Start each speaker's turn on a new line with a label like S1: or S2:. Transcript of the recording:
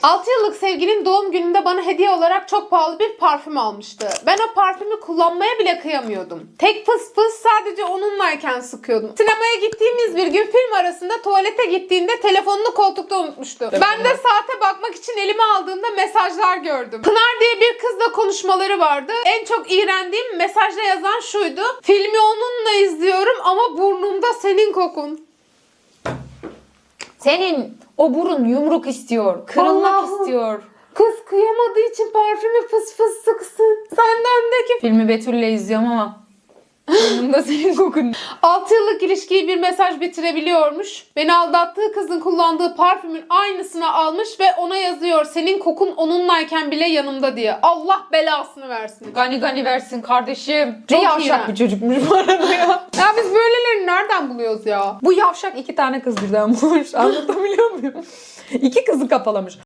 S1: 6 yıllık sevgilin doğum gününde bana hediye olarak çok pahalı bir parfüm almıştı. Ben o parfümü kullanmaya bile kıyamıyordum. Tek fıs fıs sadece onunlayken sıkıyordum. Sinemaya gittiğimiz bir gün film arasında tuvalete gittiğinde telefonunu koltukta unutmuştu. Ben de saate bakmak için elime aldığımda mesajlar gördüm. Pınar diye bir kızla konuşmaları vardı. En çok iğrendiğim mesajda yazan şuydu. Filmi onunla izliyorum ama burnumda senin kokun.
S2: Senin o burun yumruk istiyor. Kırılmak
S1: Allah'ım.
S2: istiyor.
S1: Kız kıyamadığı için parfümü fıs fıs sıksın. Sendendeki
S2: Filmi Betül'le izliyorum ama burnumda senin kokun.
S1: 6 yıllık ilişkiyi bir mesaj bitirebiliyormuş. Beni aldattığı kızın kullandığı parfümün aynısını almış ve ona yazıyor. Senin kokun onunlayken bile yanımda diye. Allah belasını versin.
S2: Gani gani versin kardeşim.
S1: Çok
S2: Ne yavşak
S1: iğrenç.
S2: bir çocukmuş bu arada ya.
S1: Ya biz böylelerini nereden buluyoruz ya?
S2: Bu yavşak 2 tane kız birden bulmuş. Anlatabiliyor muyum? 2 kızı kafalamış.